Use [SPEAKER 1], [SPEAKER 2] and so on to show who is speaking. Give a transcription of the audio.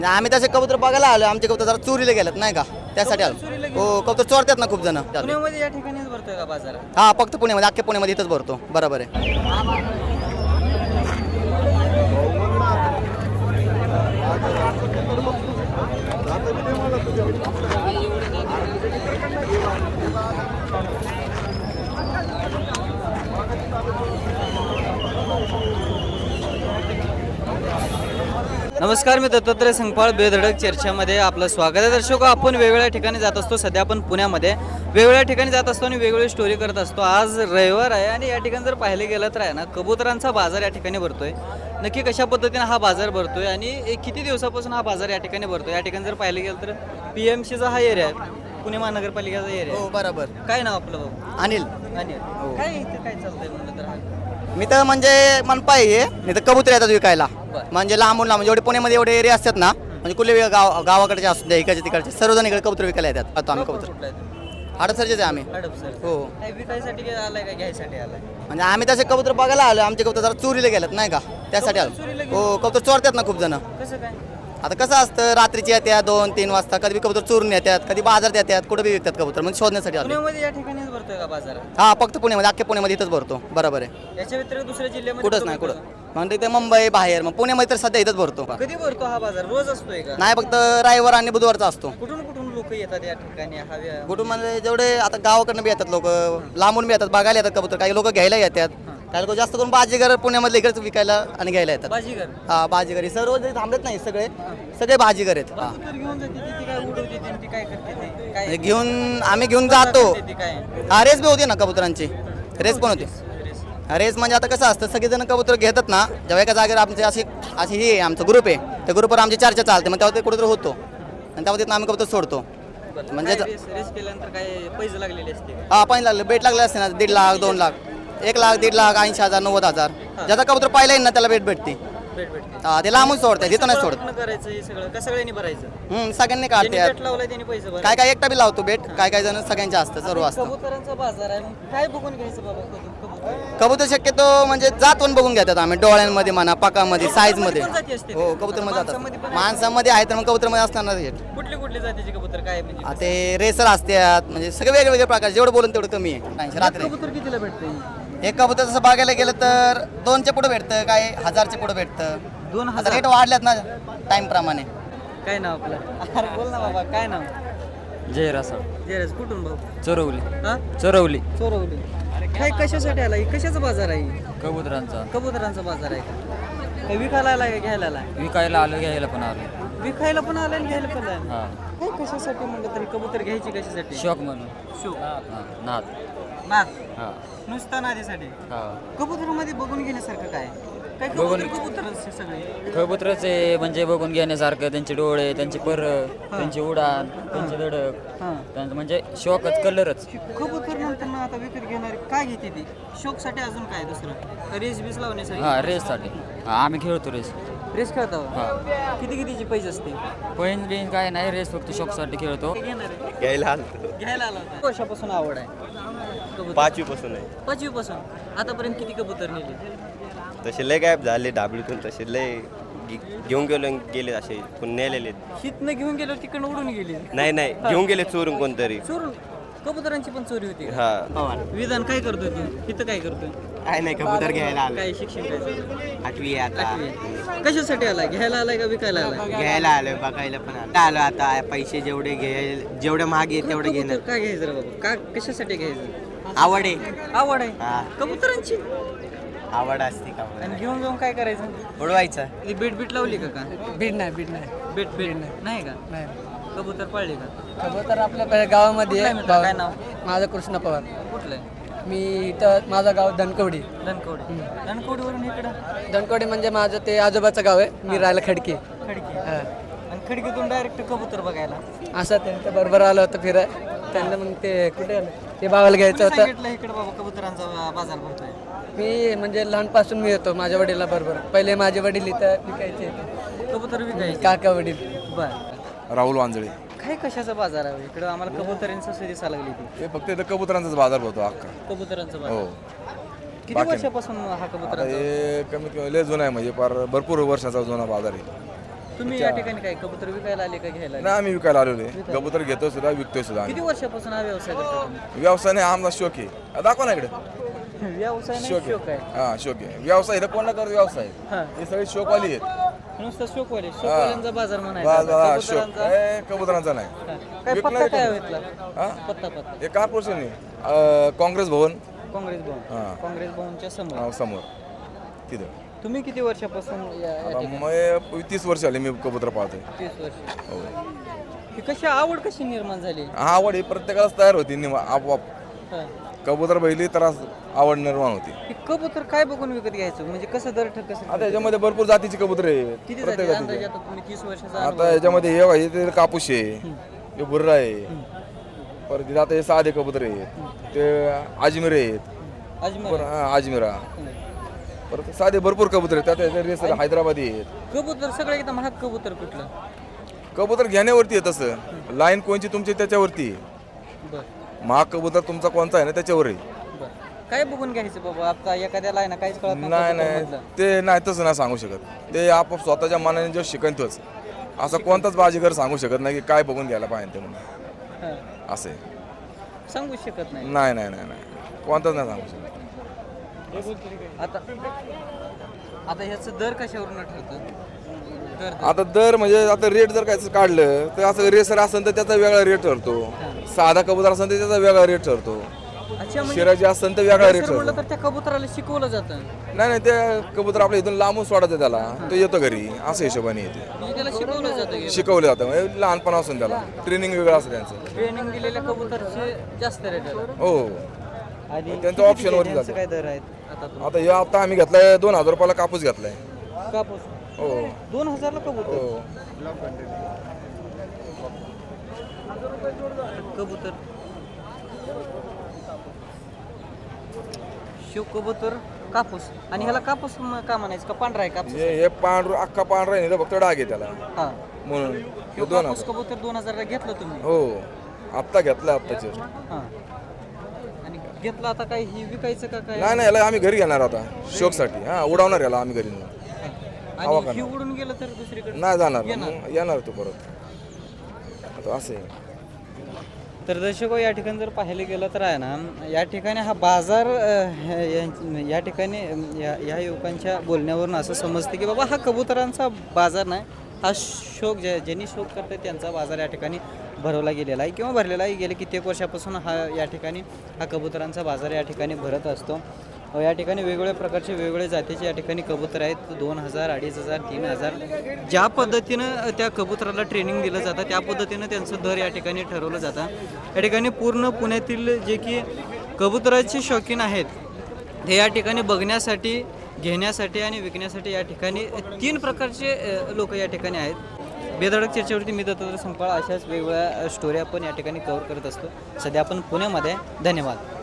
[SPEAKER 1] आम्ही तसे कबूतर बघायला आलो. आमचे कबूतर जरा चोरीला गेलेत नाही का, त्यासाठी आलो. हो, कबूतर चोरतात ना खूप जण.
[SPEAKER 2] पुण्यामध्ये या ठिकाणीच भरतोय का बाजार?
[SPEAKER 1] हा, फक्त पुण्यामध्ये, अख्ख्या पुण्यामध्ये इथंच भरतो. बरोबर आहे.
[SPEAKER 2] नमस्कार, मी दत्तात्रय संगपाळ बेधडक चर्चामध्ये आपलं स्वागत आहे. दर्शक, आपण वेगवेगळ्या ठिकाणी जात असतो. सध्या आपण पुण्यामध्ये वेगवेगळ्या ठिकाणी जात असतो आणि वेगवेगळी स्टोरी करत असतो. आज रविवार आहे आणि या ठिकाणी जर पाहिलं गेलं तर आहे ना, कबुतरांचा बाजार या ठिकाणी भरतोय. नक्की कशा पद्धतीने हा बाजार भरतोय आणि किती दिवसापासून हा बाजार या ठिकाणी भरतोय? या ठिकाणी जर पाहिलं गेलं तर PMCचा हा एरिया आहे, पुणे महानगरपालिकेचा एरिया
[SPEAKER 1] हो,
[SPEAKER 2] आहे.
[SPEAKER 1] बरोबर.
[SPEAKER 2] काय नाव आपलं भाऊ?
[SPEAKER 1] अनिल.
[SPEAKER 2] आणि काय इथे काय चालतंय म्हणलं तर?
[SPEAKER 1] मी तर म्हणजे मनपा आहे, नाही तर कबूतर येतात विकायला.
[SPEAKER 2] बरं.
[SPEAKER 1] म्हणजे लांबून लांब जेवढे पुण्यामध्ये एवढे एरिया असतात ना, म्हणजे कुठले गावाकडचे असू द्या, इकडचे तिकडचे सर्वजण इकडे कबूतर विकायला येतात. आता आम्ही कबूतर
[SPEAKER 2] कुठला आहे?
[SPEAKER 1] हडपसरचेच आहे आम्ही.
[SPEAKER 2] हडपसर.
[SPEAKER 1] हो,
[SPEAKER 2] काय विकायसाठी आलाय का घ्यायसाठी आलाय?
[SPEAKER 1] म्हणजे आम्ही तसे कबूतर बघायला आलो. आमचे कबूतर जरा चोरीला गेलेत नाही का, त्यासाठी
[SPEAKER 2] चोरीला
[SPEAKER 1] आलो. हो, कबूतर चोरतात ना खूप जण.
[SPEAKER 2] कसं काय?
[SPEAKER 1] आता कसं असतं, रात्रीची येतात 2-3 वाजता, कधी कबूतर चोरून येतात, कधी बाजारात येतात, कुठे बी विकतात कबूतर, म्हणजे शोधण्यासाठी आलो.
[SPEAKER 2] पुण्यामध्ये या ठिकाणीच भरतोय का बाजार?
[SPEAKER 1] हा, फक्त पुण्यामध्ये, अख्ख्या पुण्यामध्ये इथंच भरतो. बरोबर आहे.
[SPEAKER 2] याच्या व्यतिरिक्त दुसऱ्या जिल्ह्यामध्ये
[SPEAKER 1] कुठंच नाही, कुठं म्हणजे ते मुंबई बाहेर, मग पुण्यामध्ये तर सध्या इथंच भरतो.
[SPEAKER 2] कधी भरतो हा बाजार? रोज असतोय का?
[SPEAKER 1] नाही, फक्त रविवार आणि बुधवारचा असतो.
[SPEAKER 2] कुठून कुठून लोक येतात या ठिकाणी
[SPEAKER 1] कुठून म्हणजे जेवढे आता गावाकडनं बी येतात लोक, लांबून बी येतात, बघायला येतात कबूतर. काही लोक घ्यायला येतात, काही लोक जास्त करून बाजीगर पुण्यामधले इकडेच विकायला आणि घ्यायला येतात.
[SPEAKER 2] बाजीगर?
[SPEAKER 1] हा, बाजीगर सर्व जे थांबत नाही, सगळे सगळे बाजीगर आहेत. हा,
[SPEAKER 2] कबूतर घेऊन जाते ती काय उडवते ती काय करते ते काय
[SPEAKER 1] म्हणजे आम्ही घेऊन जातो.
[SPEAKER 2] ती काय?
[SPEAKER 1] हा, रेस बी होती ना कबुतरांची, रेस पण होती. रेस म्हणजे आता कसं असतं, सगळेजण कबूतर घेतात ना, जेव्हा एका जागेवर आमची अशी अशी ही आहे, आमचा ग्रुप आहे, त्या ग्रुपवर आमची चर्चा चालते, मग तेव्हा ते कुठेतरी होतो आणि तेव्हा तिथं आम्ही कबूतर सोडतो. म्हणजे
[SPEAKER 2] रेस केल्यानंतर काय पैसे लागलेले असते?
[SPEAKER 1] हा, पाणी लागलं, बेट लागले असते ना, 1.5 लाख 2 लाख 1 लाख 1.5 लाख 80,000 90,000 ज्याचा कबूतर पाहिला येईल ना त्याला भेट भेटते.
[SPEAKER 2] भेटते.
[SPEAKER 1] हा, ते लांबून सोडतात, तिथं नाही सोडत.
[SPEAKER 2] कुठनं करायचं हे सगळं का सगळ्यांनी भरायचं?
[SPEAKER 1] सगळ्यांनी
[SPEAKER 2] ज्यांनी
[SPEAKER 1] काढतात.
[SPEAKER 2] भेट लावलाय त्यांनी पैसे भरायचे.
[SPEAKER 1] काय काय एकटा बी लावतो बेट, काय काय जण सगळ्यांचे असतं, सर्व असतं.
[SPEAKER 2] कबुतरांचा बाजार आहे, मग काय बघून घ्यायचं बाबा कबूतर?
[SPEAKER 1] कबूतर शक्यतो म्हणजे जातून बघून घेतात आम्ही, डोळ्यांमध्ये म्हणा, पाकामध्ये, साईज मध्ये.
[SPEAKER 2] पण जाती असते?
[SPEAKER 1] हो, कबूतर मध्ये
[SPEAKER 2] माणसामध्ये
[SPEAKER 1] जातात.
[SPEAKER 2] पण
[SPEAKER 1] माणसामध्ये आहे तर मग कबूतर मध्ये असणार रेट.
[SPEAKER 2] कुठली कुठली जातीचे कबूतर काय म्हणजे?
[SPEAKER 1] ते रेसर असतात, म्हणजे सगळे वेगवेगळे प्रकार, जेवढं बोलून तेवढं कमी आहे. रात्री
[SPEAKER 2] कबूतर कितीला भेटते?
[SPEAKER 1] एक कबूतर जसं बघायला गेलं तर 2च्या पुढे भेटतं, काय 1000च्या पुढे भेटतं.
[SPEAKER 2] 2000?
[SPEAKER 1] रेट वाढल्यात ना टाइम प्रमाणे.
[SPEAKER 2] काय नाव आपलं? अरे बोल ना बाबा, काय नाव?
[SPEAKER 3] जयरासा
[SPEAKER 2] जयराज. कुठून भाऊ?
[SPEAKER 3] चोरवली
[SPEAKER 2] हा,
[SPEAKER 3] चोरवली
[SPEAKER 2] चोरवली. काय कशासाठी आला? कशाचा बाजार आहे?
[SPEAKER 3] कबुतरांचा
[SPEAKER 2] कबुतरांचा बाजार आहे का? काय विकायला आलाय का घ्यायला आलाय?
[SPEAKER 3] विकायला आलो घ्यायला पण आलो.
[SPEAKER 2] विकायला पण आलाय आणि घ्यायला पण आलाय.
[SPEAKER 3] हा,
[SPEAKER 2] काय कशासाठी म्हणलं तरी कबूतर घ्यायची कशासाठी?
[SPEAKER 3] शौक म्हणून.
[SPEAKER 2] शो.
[SPEAKER 3] हा, नाद.
[SPEAKER 2] नाद.
[SPEAKER 3] हा,
[SPEAKER 2] नुसता नादीसाठी.
[SPEAKER 3] हा.
[SPEAKER 2] कबुतरामध्ये बघून घेण्यासारखं काय? काय
[SPEAKER 3] बघून-
[SPEAKER 2] कबूतर सगळे?
[SPEAKER 3] कबुतराचे म्हणजे बघून घेण्यासारखं, त्यांचे डोळे, त्यांची पर, त्यांची उडान, त्यांची धडक,
[SPEAKER 2] हां.
[SPEAKER 3] त्यांचं म्हणजे शौकच, कलरच.
[SPEAKER 2] कबूतर नंतर ना आता विकत घेणारे काय घेते ती? शोकसाठी अजून काय दुसरं? रेस बीस लावण्यासाठी?
[SPEAKER 3] हा, रेससाठी. हा, आम्ही खेळतो रेस.
[SPEAKER 2] रेस खेळता का?
[SPEAKER 3] हा,
[SPEAKER 2] किती कितीची पैसे असते?
[SPEAKER 3] पैन बिन काय नाही, रेस फक्त शौकसाठी खेळतो.
[SPEAKER 2] घ्यायला आला होता. वर्षापासून आवड आहे कबूतर?
[SPEAKER 4] 5वी पासून आहे.
[SPEAKER 2] 5वी पासून आतापर्यंत किती कबूतर नेले?
[SPEAKER 4] तसे लय गायब झाले डाबलीतून, तसे लय घेऊन गेले असे कोण नेलेले.
[SPEAKER 2] हितनं घेऊन गेलो तिकडनं उडून गेली.
[SPEAKER 4] नाही नाही, घेऊन गेले चोरून कोणतरी.
[SPEAKER 2] चोरून? कबुतरांची पण चोरी होती का?
[SPEAKER 4] हा,
[SPEAKER 2] विधान काय करतोय तू? इथं काय करतोय?
[SPEAKER 1] काय नाही, कबूतर घ्यायला
[SPEAKER 2] काय शिक्षण काय चालू?
[SPEAKER 1] 8वी आता.
[SPEAKER 2] आठवी. कशासाठी आलाय? घ्यायला आलाय का विकायला आलाय?
[SPEAKER 1] घ्यायला आलोय, बघायला पण आलो आता. पैसे जेवढे जेवढे महाग आहे तेवढे
[SPEAKER 2] कबूतर काय घ्यायचं रे बाबा? का कशासाठी घ्यायचं?
[SPEAKER 1] आवड आहे.
[SPEAKER 2] आवड आहे
[SPEAKER 1] हा.
[SPEAKER 2] कबुतरांची.
[SPEAKER 1] आवड असते का
[SPEAKER 2] आणि घेऊन जाऊन काय करायचं?
[SPEAKER 1] उडवायचं.
[SPEAKER 2] ती बीट बीट लावली का?
[SPEAKER 5] बीड नाही
[SPEAKER 2] बीट बीट नाही का?
[SPEAKER 5] नाही.
[SPEAKER 2] कबूतर पाळली का?
[SPEAKER 5] खबर आपल्या गावामध्ये
[SPEAKER 2] कुठलं आहे
[SPEAKER 5] आहे.
[SPEAKER 2] मित्र? काय नाव?
[SPEAKER 5] माझं कृष्ण पवार.
[SPEAKER 2] कुठलं आहे?
[SPEAKER 5] मी इथं, माझं गाव धनकवडी.
[SPEAKER 2] धनकवडी. धनकवडीवरून इकडं
[SPEAKER 5] धनकवडी म्हणजे माझं ते आजोबाचं गाव आहे. मी राहायला खडकी.
[SPEAKER 2] खडकी.
[SPEAKER 5] हा.
[SPEAKER 2] आणि खडकीतून डायरेक्ट कबूतर बघायला
[SPEAKER 5] असं त्यांच्या बरोबर आलं होतं फिराय. त्यांना मग ते कुठे आलं ते भावाला घ्यायचं होतं.
[SPEAKER 2] सांगितलं इकडे बाबा कबुतरांचा बाजार भरतोय?
[SPEAKER 5] मी म्हणजे लहानपासून मी येतो माझ्या वडिला बरोबर. पहिले माझे वडील इथं विकायचे,
[SPEAKER 2] कबूतर विकायचे?
[SPEAKER 5] काका वडील.
[SPEAKER 2] बर.
[SPEAKER 6] राहुल वांजळे.
[SPEAKER 2] काय कशाचा बाजार आहे इकडं? आम्हाला कबुतरांचा दिसा लागली ती.
[SPEAKER 6] हे फक्त इथं कबुतरांचाच बाजार भरतो अख्खा.
[SPEAKER 2] कबुतरांचा
[SPEAKER 6] हो.
[SPEAKER 2] बाजार किती
[SPEAKER 6] बाकी-
[SPEAKER 2] वर्षापासून हा
[SPEAKER 6] आता
[SPEAKER 2] कबुतरांचा?
[SPEAKER 6] हे कमीत कमी लय जुना आहे, म्हणजे फार भरपूर वर्षाचा जुना बाजार आहे.
[SPEAKER 2] तुम्ही या ठिकाणी काय कबूतर विकायला आले का घ्यायला आले?
[SPEAKER 6] नाही आम्ही विकायला आलेलो आहे कबूतर घेतो सुद्धा विकतोय सुद्धा
[SPEAKER 2] किती
[SPEAKER 6] आम्ही
[SPEAKER 2] वर्षापासून हा व्यवसाय करता तुम्ही?
[SPEAKER 6] व्यवसाय नाही आमचा शोक आहे दाखवा ना इकडे
[SPEAKER 2] व्यवसाय नाही
[SPEAKER 6] शोक
[SPEAKER 2] शोक
[SPEAKER 6] आहे
[SPEAKER 2] आहे.
[SPEAKER 6] हा शोक आहे व्यवसाय इथं कोण करत व्यवसाय
[SPEAKER 2] हा.
[SPEAKER 6] हे सगळे शोकवाली आहेत
[SPEAKER 2] नुसतं शोकवाल्यांचा बाजार म्हणायचा
[SPEAKER 6] बस शोक
[SPEAKER 2] कबुतरांचा.
[SPEAKER 6] कबुतरांचा नाही
[SPEAKER 2] हा. काय पत्ता
[SPEAKER 6] विकणार
[SPEAKER 2] काय
[SPEAKER 6] का?
[SPEAKER 2] इथला?
[SPEAKER 6] हा
[SPEAKER 2] पत्ता
[SPEAKER 6] हे का पोर्शन काँग्रेस भवन
[SPEAKER 2] काँग्रेस भवन
[SPEAKER 6] हा.
[SPEAKER 2] काँग्रेस भवनच्या समोर.
[SPEAKER 6] समोर तिथं
[SPEAKER 2] तुम्ही किती वर्षापासून या
[SPEAKER 6] आता
[SPEAKER 2] ठिकाणी?
[SPEAKER 6] मग 30 वर्ष आले मी कबूतर पाहतोय
[SPEAKER 2] 30 वर्ष.
[SPEAKER 6] हो
[SPEAKER 2] ही कशी आवड कशी निर्माण झाली?
[SPEAKER 6] हा आवड ही प्रत्येकालाच तयार होती आपोआप
[SPEAKER 2] हा.
[SPEAKER 6] कबूतर बैली तर आवड निर्माण होती
[SPEAKER 2] हे कबूतर काय बघून विकत घ्यायचं म्हणजे कसं दर कसं
[SPEAKER 6] आता याच्यामध्ये भरपूर जातीची कबूतर आहे
[SPEAKER 2] किती
[SPEAKER 6] प्रत्येक
[SPEAKER 2] जाती अंदाजे
[SPEAKER 6] जातीची
[SPEAKER 2] आता तुम्ही 30 वर्षाचा
[SPEAKER 6] आता
[SPEAKER 2] अनुभव.
[SPEAKER 6] याच्यामध्ये हे आहे ते कापूस आहे हे बुर्रा आहे परत इथे आता हे साधे कबूतर आहेत ते अजमेर आहेत
[SPEAKER 2] अजमेर
[SPEAKER 6] परत अजमेरा परत साधे भरपूर कबूतर आहेत त्यात रेस हैदराबादी आहेत
[SPEAKER 2] कबूतर सगळं एकदम महाग कबूतर कुठलं?
[SPEAKER 6] कबूतर घेण्यावरती आहे तसं लाईन कोणची तुमची त्याच्यावरती आहे.
[SPEAKER 2] बर
[SPEAKER 6] महाग कबूतर तुमचा कोणता आहे ना त्याच्यावर आहे
[SPEAKER 2] बर काय बघून घ्यायचं बाबा आता एखाद्याला आहे ना काहीच कळत
[SPEAKER 6] नाही नाही
[SPEAKER 2] कबूतरमधलं.
[SPEAKER 6] ते नाही तसं नाही सांगू शकत ते आपोआप स्वतःच्या मनाने जो शिकन तोच असं कोणताच बाजीगर सांगू शकत नाही की काय बघून घ्यायला पाहिजे ते म्हणून
[SPEAKER 2] हा.
[SPEAKER 6] असं आहे.
[SPEAKER 2] सांगू शकत नाही.
[SPEAKER 6] नाही नाही नाही नाही कोणताच नाही सांगू शकत
[SPEAKER 2] आता आता ह्याचं दर कशावरून ठरतं? दर
[SPEAKER 6] आता दर म्हणजे आता रेट जर काय काढलं तर असं रेसर असेल तर त्याचा वेगळा रेट ठरतो साधा कबूतर असेल तर त्याचा वेगळा रेट ठरतो
[SPEAKER 2] अच्छा म्हणजे
[SPEAKER 6] शिराजी असेल तर वेगळा रेट
[SPEAKER 2] जर म्हणलं
[SPEAKER 6] ठरतो
[SPEAKER 2] तर त्या कबुतराला शिकवलं जातं
[SPEAKER 6] नाही नाही ते कबूतर आपल्या इथून लांबून सोडायचं त्याला तो येतो घरी असं हिशोबाने येते
[SPEAKER 2] म्हणजे त्याला शिकवलं जातं
[SPEAKER 6] शिकवलं जातं म्हणजे लहानपणापासून त्याला ट्रेनिंग वेगळं असतं त्यांचं
[SPEAKER 2] ट्रेनिंग दिलेल्या कबुतरचे जास्त रेट आहे.
[SPEAKER 6] हो
[SPEAKER 2] आणि
[SPEAKER 6] त्यांचं
[SPEAKER 2] किती
[SPEAKER 6] option वरती
[SPEAKER 2] त्यांचं
[SPEAKER 6] जातं.
[SPEAKER 2] काय दर आहेत आता
[SPEAKER 6] आता आम्ही घेतलाय 2000 रुपयाला कापूस घेतलाय
[SPEAKER 2] कापूस
[SPEAKER 6] हो
[SPEAKER 2] 2000 ला कबूतर
[SPEAKER 6] हो
[SPEAKER 2] कबूतर शिव कबूतर कापूस आणि ह्याला कापूस का म्हणायचं का पांढरा आहे कापूस?
[SPEAKER 6] हे पांढर अख्खा पांढरा आहे ना फक्त डाग आहे त्याला
[SPEAKER 2] हा
[SPEAKER 6] म्हणून
[SPEAKER 2] ह्यो
[SPEAKER 6] हे 2000
[SPEAKER 2] कापूस कबूतर 2000 ला घेतलं तुम्ही?
[SPEAKER 6] हो आत्ता घेतला आत्ताचे
[SPEAKER 2] हा आणि घेतलं आता काय ही विकायचं का काय?
[SPEAKER 6] नाही नाही याला आम्ही घरी घेणार आता शोकसाठी हा उडवणार याला आम्ही घरी नेऊन.
[SPEAKER 2] आणि ही उडून गेलं तर दुसरीकडे
[SPEAKER 6] नाही जाणार मग येणार तू परत आता असं आहे
[SPEAKER 2] तर दर्शको या ठिकाणी जर पाहायला गेलं तर आहे ना या ठिकाणी हा बाजार या ठिकाणी या युवकांच्या बोलण्यावरून असं समजतं की बाबा हा कबुतरांचा बाजार नाही हा शौक ज्यांनी शौक करतात त्यांचा बाजार या ठिकाणी भरवला गेलेला आहे किंवा भरलेला आहे. गेले कित्येक वर्षापासून हा या ठिकाणी हा कबुतरांचा बाजार या ठिकाणी भरत असतो. या ठिकाणी वेगवेगळ्या प्रकारचे वेगवेगळ्या जातीचे या ठिकाणी कबूतर आहेत 2000 2500 3000 ज्या पद्धतीनं त्या कबुतराला ट्रेनिंग दिलं जातं त्या पद्धतीनं त्यांचं दर या ठिकाणी ठरवलं जातं. या ठिकाणी पूर्ण पुण्यातील जे की कबुतराचे शौकीन आहेत ते या ठिकाणी बघण्यासाठी घेण्यासाठी आणि विकण्यासाठी या ठिकाणी 3 प्रकारचे लोक या ठिकाणी आहेत. बेधडक चर्चेवरती मी दत्तात्रय संपाळ अशाच वेगवेगळ्या स्टोरी आपण या ठिकाणी कव्हर करत असतो. सध्या आपण पुण्यामध्ये धन्यवाद.